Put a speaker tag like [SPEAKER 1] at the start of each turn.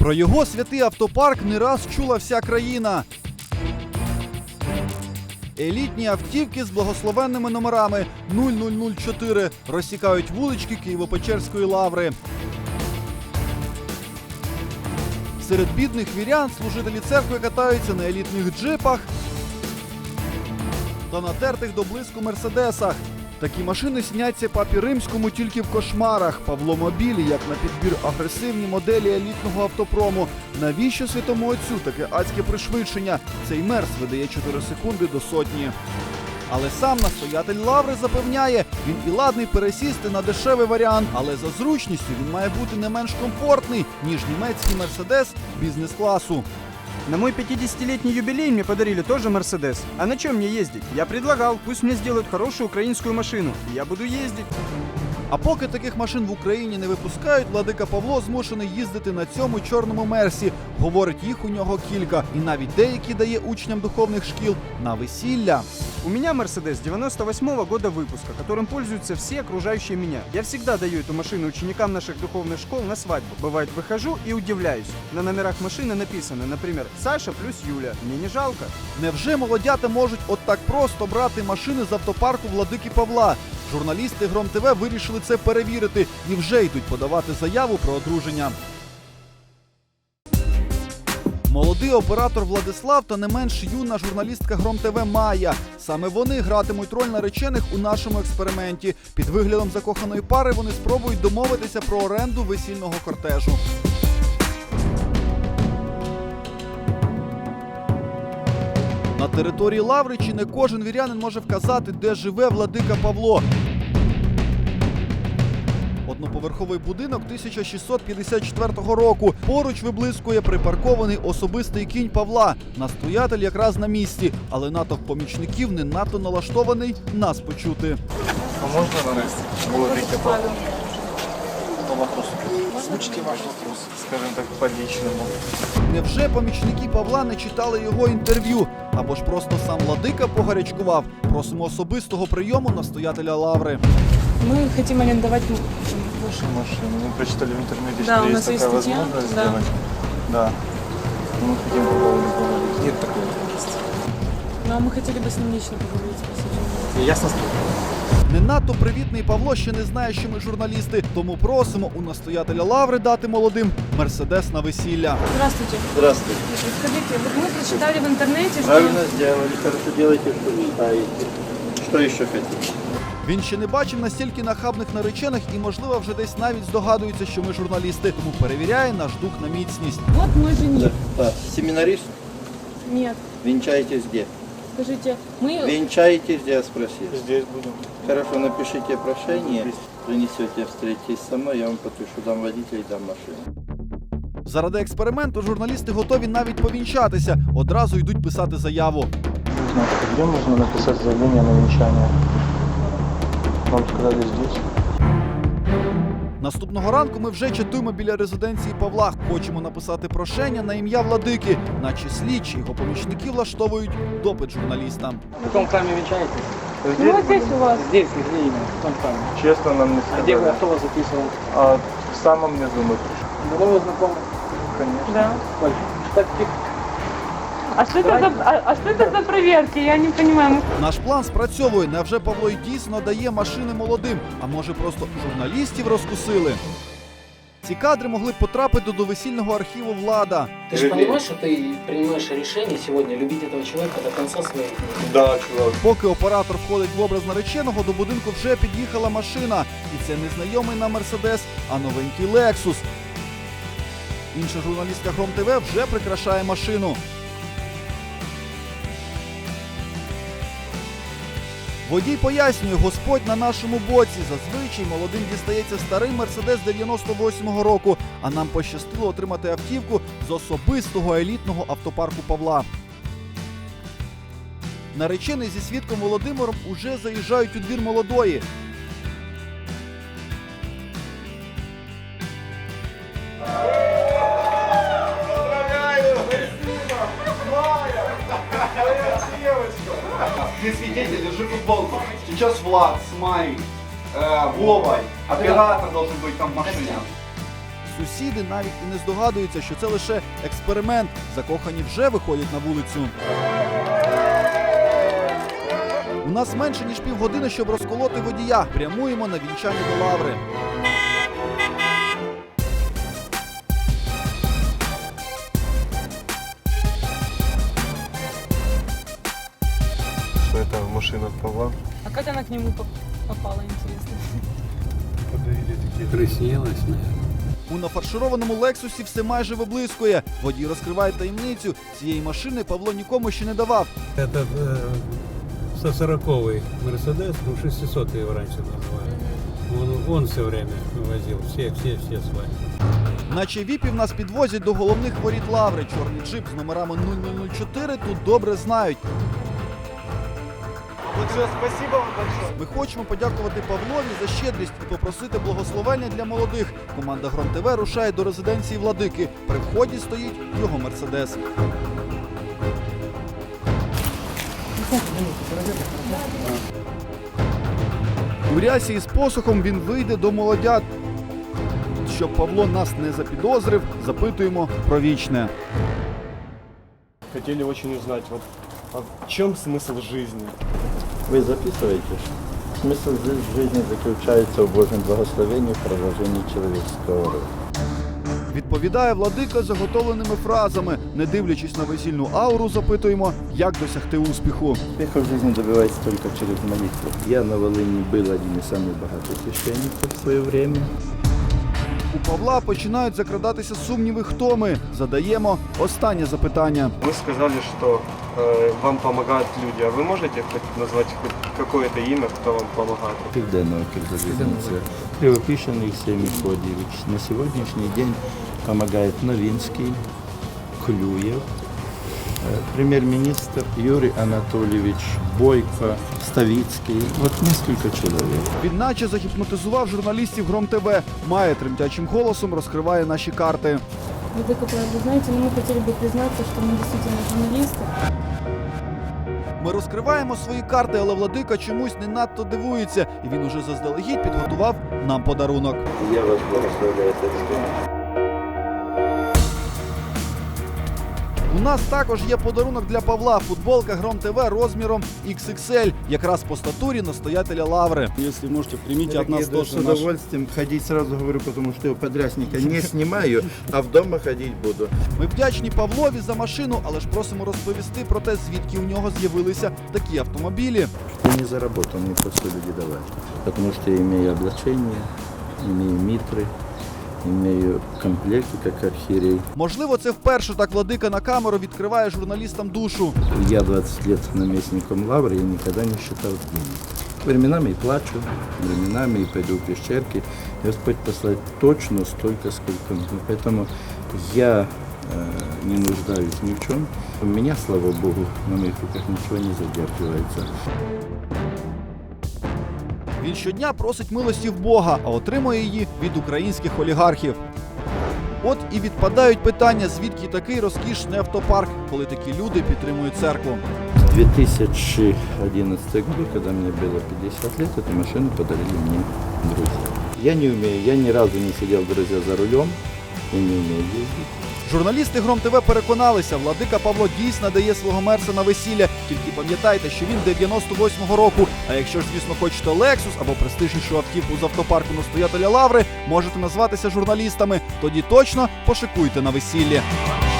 [SPEAKER 1] Про його святий автопарк не раз чула вся країна. Елітні автівки з благословенними номерами 0004 розсікають вулички Києво-Печерської лаври. Серед бідних вірян служителі церкви катаються на елітних джипах та натертих до блиску мерседесах. Такі машини сняться папі Римському тільки в кошмарах. Павло Мобілі, як на підбір агресивні моделі елітного автопрому. Навіщо святому отцю таке адське пришвидшення? Цей мерс видає 4 секунди до сотні. Але сам настоятель лаври запевняє, він і ладний пересісти на дешевий варіант, але за зручністю він має бути не менш комфортний, ніж німецький мерседес бізнес-класу.
[SPEAKER 2] На мой 50-летний юбилей мне подарили тоже Мерседес. А на чем мне ездить? Я предлагал, пусть мне сделают хорошую украинскую машину, и я буду ездить.
[SPEAKER 1] А поки таких машин в Україні не випускають, владика Павло змушений їздити на цьому чорному мерсі. Говорить, їх у нього кілька. І навіть деякі дає учням духовних шкіл на весілля.
[SPEAKER 2] У меня Мерседес 98-го года выпуска, которым пользуются все окружающие меня. Я всегда даю эту машину ученикам наших духовных школ на свадьбу. Бывает, выхожу и удивляюсь. На номерах машины написано, например, Саша плюс Юля. Мне не жалко.
[SPEAKER 1] Невже молодята можуть от так просто брати машини з автопарку владики Павла? Журналісти Гром ТВ вирішили це перевірити і вже йдуть подавати заяву про одруження. Молодий оператор Владислав та не менш юна журналістка Гром ТВ Майя. Саме вони гратимуть роль наречених у нашому експерименті. Під виглядом закоханої пари вони спробують домовитися про оренду весільного кортежу. На території лаври чи не кожен вірянин може вказати, де живе владика Павло. Одноповерховий будинок 1654 року. Поруч виблискує припаркований особистий кінь Павла. Настоятель якраз на місці, але натовп помічників не надто налаштований нас почути.
[SPEAKER 3] А можна владика Павла? По вопросу. Озвучите ваш вопрос, скажем так, по-личному.
[SPEAKER 1] Невже помічники Павла не читали його інтерв'ю? Або ж просто сам владика погарячкував? Просимо особистого прийому настоятеля лаври.
[SPEAKER 4] Мы хотим арендовать
[SPEAKER 3] Машину. Мы прочитали в интернете,
[SPEAKER 4] Да,
[SPEAKER 3] что
[SPEAKER 4] у
[SPEAKER 3] есть
[SPEAKER 4] нас есть
[SPEAKER 3] такая
[SPEAKER 4] статья,
[SPEAKER 3] возможность
[SPEAKER 4] да.
[SPEAKER 3] сделать. Да. Мы хотим по поводу поговорить. Нет такой возможности.
[SPEAKER 4] Ну, а мы хотели бы с ним лично поговорить. Спасибо.
[SPEAKER 3] Ясно?
[SPEAKER 1] Не надто привітний Павло ще не знає, що ми журналісти, тому просимо у настоятеля лаври дати молодим мерседес на весілля.
[SPEAKER 4] Здравствуйте.
[SPEAKER 5] Здравствуйте.
[SPEAKER 4] Скажите, вот мы прочитали в интернете, что...
[SPEAKER 5] Правильно сделали, хорошо делаете, что читаете. Что еще хотите?
[SPEAKER 1] Він ще не бачив настільки нахабних наречених і, можливо, вже десь навіть здогадується, що ми журналісти, тому перевіряє наш дух на міцність.
[SPEAKER 4] Вот мой жених.
[SPEAKER 5] Да. Семинарист?
[SPEAKER 4] Нет.
[SPEAKER 5] Венчаетесь где?
[SPEAKER 4] Скажите, мы...
[SPEAKER 5] Венчаетесь где, я спросил.
[SPEAKER 3] Здесь будем.
[SPEAKER 5] Хорошо, напишите прошение, принесете, встретитесь со мной, я вам подпишу, дам водителя и дам машину.
[SPEAKER 1] Заради експерименту журналісти готові навіть повінчатися, одразу йдуть писати заяву.
[SPEAKER 3] Нужно, где можно написать заявление на венчание? Вам сказали здесь.
[SPEAKER 1] Наступного ранку ми вже чатуємо біля резиденції Павла. Хочемо написати прошення на ім'я владики, наче слідчі його помічники влаштовують допит журналістам.
[SPEAKER 6] В каком храме венчаетесь?
[SPEAKER 4] Ну, вот здесь у вас.
[SPEAKER 6] Здесь, где именно? В каком храме?
[SPEAKER 3] Честно нам не
[SPEAKER 6] А где вы,
[SPEAKER 3] сказали.
[SPEAKER 6] кто вас записывал?
[SPEAKER 3] А в самом низу мы пришли.
[SPEAKER 6] Давно вы знакомы?
[SPEAKER 3] Конечно.
[SPEAKER 4] Да.
[SPEAKER 6] Сколько? Так, тихо.
[SPEAKER 4] А что это за проверки? Я не понимаю.
[SPEAKER 1] Наш план спрацьовує. Невже Павло й дійсно дає машини молодим? А може просто журналістів розкусили? Ці кадри могли б потрапити до весільного архіву «Влада».
[SPEAKER 7] Ты же понимаешь, что ты принимаешь решение сегодня любить этого человека до конца своих дней?
[SPEAKER 3] Да, чувак.
[SPEAKER 1] Поки оператор входить в образ нареченого, до будинку вже під'їхала машина. І це не знайомий нам «Мерседес», а новенький «Лексус». Інша журналістка Гром ТВ вже прикрашає машину. Водій пояснює, Господь на нашому боці. Зазвичай молодим дістається старий Мерседес 98-го року, а нам пощастило отримати автівку з особистого елітного автопарку Павла. Наречений зі свідком Володимиром уже заїжджають у двір молодої. Ты свидетель, держи футболку. Сейчас Влад с Майей, Вовой, оператор должен быть там в машине. Сусіди навіть і не здогадуються, що це лише експеримент. Закохані вже виходять на вулицю. У нас менше ніж півгодини, щоб розколоти водія. Прямуємо на вінчання до Лаври.
[SPEAKER 8] Что это машина Павла?
[SPEAKER 4] А как она к нему попала, интересно?
[SPEAKER 9] Приснилось, наверное.
[SPEAKER 1] У нафаршированому Лексусі все майже виблискує. Водій розкриває таємницю. Цієї машини Павло нікому ще не давав.
[SPEAKER 9] Этот 140-й Мерседес, 600 его раньше называли. Он все время возил, все свои.
[SPEAKER 1] Наче віпів нас підвозять до головних воріт Лаври. Чорний джип з номерами 0004 тут добре знають. Ми хочемо подякувати Павлові за щедрість і попросити благословення для молодих. Команда Гром ТВ рушає до резиденції Владики. При вході стоїть його Мерседес. У рясі із посохом він вийде до молодят. Щоб Павло нас не запідозрив, запитуємо про вічне.
[SPEAKER 8] Хотели очень узнать, вот, а в чем смысл жизни?
[SPEAKER 5] Вы записываете? Смысл жизни заключается в Божьем благословении, в продолжении человеческого рода.
[SPEAKER 1] Відповідає Владика заготовленими фразами. Не дивлячись на весільну ауру, запитуємо, як досягти успіху.
[SPEAKER 5] Успеха в жизни добивается только через молитву. Я на Волыни был один из самых богатых священников в свое время.
[SPEAKER 1] У Павла починають закрадатися сумніви, хто ми. Задаємо останнє запитання.
[SPEAKER 8] Вы сказали, что вам помогают люди, а вы можете хоть назвать хоть какое-то имя, кто вам помогает?
[SPEAKER 5] Південного Кирзалізниця. Кривопишений Сергій Мефодійович. На сьогоднішній день помогает Новинский, Клюєв, премьер-министр Юрий Анатольевич Бойко, Ставицкий. Вот несколько человек.
[SPEAKER 1] Він наче загіпнотизував журналістів Гром ТВ. Має тремтячим голосом розкриває наші карти.
[SPEAKER 4] Владыка, вы знаете, мы хотели бы признаться, что мы действительно журналисты.
[SPEAKER 1] Ми розкриваємо свої карти, але Владика чомусь не надто дивується. І він уже заздалегідь підготував нам подарунок.
[SPEAKER 5] Я вас благословляю. Це
[SPEAKER 1] У нас також є подарунок для Павла. Футболка Гром ТВ розміром XXL. Якраз по статурі настоятеля Лаври.
[SPEAKER 5] Если можете, примите от нас тоже. С удовольствием ходить, сразу говорю, потому что я подрясника не снимаю, а в дома ходить буду.
[SPEAKER 1] Ми вдячні Павлові за машину, але ж просимо розповісти про те, звідки у нього з'явилися такі автомобілі.
[SPEAKER 5] Я не заработал, мне просто люди давали. Потому что я имею облачение, имею митры, имею комплекты, как архиерей.
[SPEAKER 1] Можливо, це вперше так Владика на камеру відкриває журналістам душу.
[SPEAKER 5] Я 20 лет наместником Лавры, я никогда не считал денег. Временами и плачу, временами и пойду в пещерки. Господь послать точно столько, сколько нужно. Поэтому я не нуждаюсь ни в чем. У меня, слава Богу, на моих руках ничего не задерживается.
[SPEAKER 1] Він щодня просить милості в Бога, а отримує її від українських олігархів. От і відпадають питання, звідки такий розкішний автопарк, коли такі люди підтримують церкву.
[SPEAKER 5] В 2011 году, когда мне было 50 лет, эту машину подарили мне друзья. Я не умею, я ни разу не сидел, друзья, за рулем, я не умею ездить.
[SPEAKER 1] Журналісти Гром ТВ переконалися, Владика Павло дійсно дає свого мерса на весілля. Тільки пам'ятайте, що він 98-го року. А якщо ж, звісно, хочете Lexus або престижнішу автівку з автопарку настоятеля Лаври, можете назватися журналістами. Тоді точно пошикуйте на весіллі.